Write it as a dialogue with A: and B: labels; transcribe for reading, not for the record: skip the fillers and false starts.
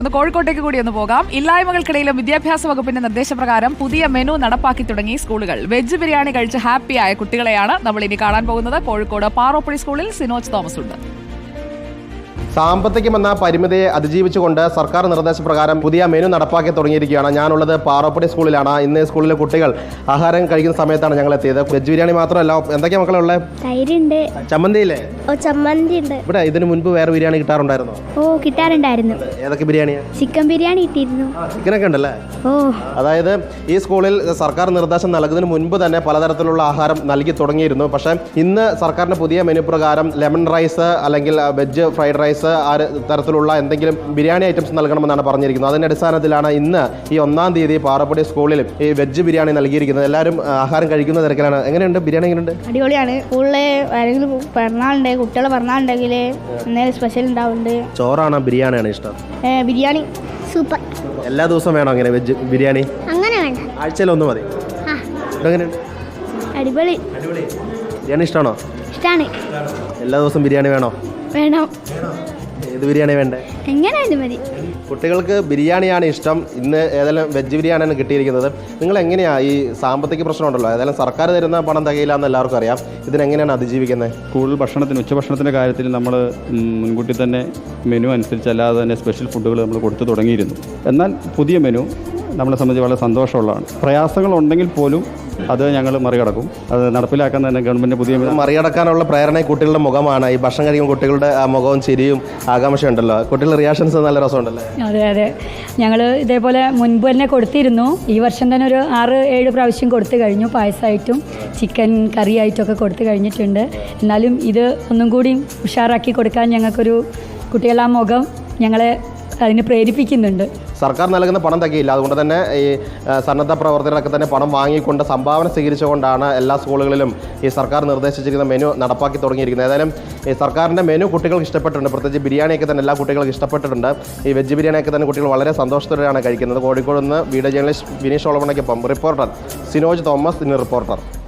A: കോഴിക്കോട്ടേക്ക് കൂടി ഒന്ന് പോകാം. ഇല്ലായ്മകൾക്കിടയിലും വിദ്യാഭ്യാസ വകുപ്പിന്റെ നിർദ്ദേശപ്രകാരം പുതിയ മെനു നടപ്പാക്കി തുടങ്ങി സ്കൂളുകൾ. വെജ് ബിരിയാണി കഴിച്ച് ഹാപ്പിയായ കുട്ടികളെയാണ് നമ്മൾ ഇനി കാണാൻ പോകുന്നത്. കോഴിക്കോട് പാറോപ്പടി സ്കൂളിൽ സിനോജ് തോമസ് ഉണ്ട്.
B: സാമ്പത്തികമെന്ന പരിമിതിയെ അതിജീവിച്ചുകൊണ്ട് സർക്കാർ നിർദ്ദേശപ്രകാരം പുതിയ മെനു നടപ്പാക്കി തുടങ്ങിയിരിക്കുകയാണ്. ഞാനുള്ളത് പാറോപ്പടി സ്കൂളിലാണ്. ഇന്ന് സ്കൂളിലെ കുട്ടികൾ ആഹാരം കഴിക്കുന്ന സമയത്താണ് ഞങ്ങൾ എത്തിയത്. വെജ് ബിരിയാണി മാത്രമല്ല, എന്തൊക്കെയാണ് മക്കളുള്ളത്?
C: തൈരുണ്ട്,
B: ചമ്മന്തിയില്ലേ?
C: ചമ്മന്തി ഉണ്ട്.
B: ഇവിടെ ഇതിനു മുൻപ് വേറെ ബിരിയാണി കിട്ടാറുണ്ടായിരുന്നോ?
C: കിട്ടാറുണ്ടായിരുന്നു.
B: ഏതൊക്കെ ബിരിയാണിയാണ്?
C: ചിക്കൻ ബിരിയാണി കിട്ടിയിരുന്നു.
B: ചിക്കനൊക്കെ ഉണ്ടല്ലേ? അതായത് ഈ സ്കൂളിൽ സർക്കാർ നിർദ്ദേശം നൽകുന്നതിന് മുൻപ് തന്നെ പലതരത്തിലുള്ള ആഹാരം നൽകി തുടങ്ങിയിരുന്നു. പക്ഷേ ഇന്ന് സർക്കാരിന്റെ പുതിയ മെനു പ്രകാരം ലെമൺ റൈസ് അല്ലെങ്കിൽ വെജ് ഫ്രൈഡ് റൈസ് തരത്തിലുള്ള എന്തെങ്കിലും ബിരിയാണി ഐറ്റംസ് നൽകണമെന്നാണ് പറഞ്ഞിരിക്കുന്നത്. അതിന്റെ അടിസ്ഥാനത്തിലാണ് ഇന്ന് ഈ 1-ാം തീയതി പാറോപ്പടി സ്കൂളിൽ ഈ വെജ് ബിരിയാണി നൽകിയിരിക്കുന്നത്. എല്ലാവരും ആഹാരം കഴിക്കുന്ന തിരക്കിലാണ്. എങ്ങനെയുണ്ട് ബിരിയാണി? എങ്ങനെയുണ്ട്?
C: അടിപൊളിയാണ്. സ്കൂളിൽ ആരെങ്കിലും പിറന്നാളുണ്ട്, കുട്ടികളെ പിറന്നാളുണ്ടെങ്കിൽ എന്തെങ്കിലും സ്പെഷ്യൽ ഉണ്ടാവുന്നുണ്ട്.
B: ചോറാണോ ബിരിയാണിയാണ് ഇഷ്ടം?
C: ബിരിയാണി സൂപ്പർ.
B: എല്ലാ ദിവസവും വേണോ അങ്ങനെ വെജ് ബിരിയാണി?
C: അങ്ങനെ വേണ്ട,
B: ആഴ്ചയിൽ ഒന്ന് മതി. എങ്ങനെയുണ്ട്?
C: അടിപൊളി.
B: ബിരിയാണി ഇഷ്ടമാണോ?
C: ഇഷ്ടമാണ്.
B: എല്ലാ ദിവസവും ബിരിയാണി വേണോ?
C: വേണം.
B: ഏത് ബിരിയാണി വേണ്ടേ?
C: എങ്ങനെയായാലും മതി.
B: കുട്ടികൾക്ക് ബിരിയാണിയാണ് ഇഷ്ടം. ഇന്ന് ഏതായാലും വെജ് ബിരിയാണിയാണ് കിട്ടിയിരിക്കുന്നത്. നിങ്ങൾ എങ്ങനെയാണ് ഈ സാമ്പത്തിക പ്രശ്നമുണ്ടല്ലോ, ഏതായാലും സർക്കാർ തരുന്ന പണം തികയില്ല എന്ന് എല്ലാവർക്കും അറിയാം. ഇതിനെങ്ങനെയാണ് അതിജീവിക്കുന്നത്?
D: സ്കൂൾ ഭക്ഷണത്തിന് ഉച്ചഭക്ഷണത്തിൻ്റെ കാര്യത്തിൽ നമ്മൾ മുൻകൂട്ടി തന്നെ മെനു അനുസരിച്ചല്ലാതെ തന്നെ സ്പെഷ്യൽ ഫുഡുകൾ നമ്മൾ കൊടുത്തു തുടങ്ങിയിരുന്നു. എന്നാൽ പുതിയ മെനു നമ്മളെ സംബന്ധിച്ച് വളരെ സന്തോഷമുള്ളതാണ്. പ്രയാസങ്ങളുണ്ടെങ്കിൽ പോലും അത് ഞങ്ങൾ മറികടക്കും. അത് നടപ്പിലാക്കാൻ തന്നെ ഗവൺമെൻറ് പുതിയ
B: മറികടക്കാനുള്ള പ്രേരണ കുട്ടികളുടെ മുഖമാണ്. ഈ ഭക്ഷണം കഴിക്കുമ്പോൾ കുട്ടികളുടെ ആ മുഖവും ചിരിയും ആകാംക്ഷയുണ്ടല്ലോ. കുട്ടികളുടെ റിയാക്ഷൻസ് നല്ല രസമുണ്ടല്ലോ.
E: അതെ, ഞങ്ങൾ ഇതേപോലെ മുൻപ് തന്നെ കൊടുത്തിരുന്നു. ഈ വർഷം തന്നെ ഒരു 6-7 പ്രാവശ്യം കൊടുത്തു കഴിഞ്ഞു. പായസമായിട്ടും ചിക്കൻ കറിയായിട്ടൊക്കെ കൊടുത്തു കഴിഞ്ഞിട്ടുണ്ട്. എന്നാലും ഇത് ഒന്നും കൂടി ഉഷാറാക്കി കൊടുക്കാൻ ഞങ്ങൾക്കൊരു കുട്ടികളുടെ ആ മുഖം ഞങ്ങളെ അതിന് പ്രേരിപ്പിക്കുന്നുണ്ട്.
B: സർക്കാർ നൽകുന്ന പണം തികയില്ല. അതുകൊണ്ട് തന്നെ ഈ സന്നദ്ധ പ്രവർത്തകരൊക്കെ തന്നെ പണം വാങ്ങിക്കൊണ്ട് സംഭാവന സ്വീകരിച്ചുകൊണ്ടാണ് എല്ലാ സ്കൂളുകളിലും ഈ സർക്കാർ നിർദ്ദേശിച്ചിരിക്കുന്ന മെനു നടപ്പാക്കി തുടങ്ങിയിരിക്കുന്നത്. ഏതായാലും ഈ സർക്കാരിൻ്റെ മെനു കുട്ടികൾക്ക് ഇഷ്ടപ്പെട്ടിട്ടുണ്ട്. പ്രത്യേകിച്ച് ബിരിയാണിയൊക്കെ തന്നെ എല്ലാ കുട്ടികൾക്കും ഇഷ്ടപ്പെട്ടിട്ടുണ്ട്. ഈ വെജ് ബിരിയാണിയൊക്കെ തന്നെ കുട്ടികൾ വളരെ സന്തോഷത്തോടെയാണ് കഴിക്കുന്നത്. കോഴിക്കോട് നിന്ന് വീഡിയോ ജേർണലിസ്റ്റ് വിനീഷ് ഓളമണയ്ക്കൊപ്പം റിപ്പോർട്ടർ സിനോജ് തോമസ്, ഇന്ന് റിപ്പോർട്ടർ.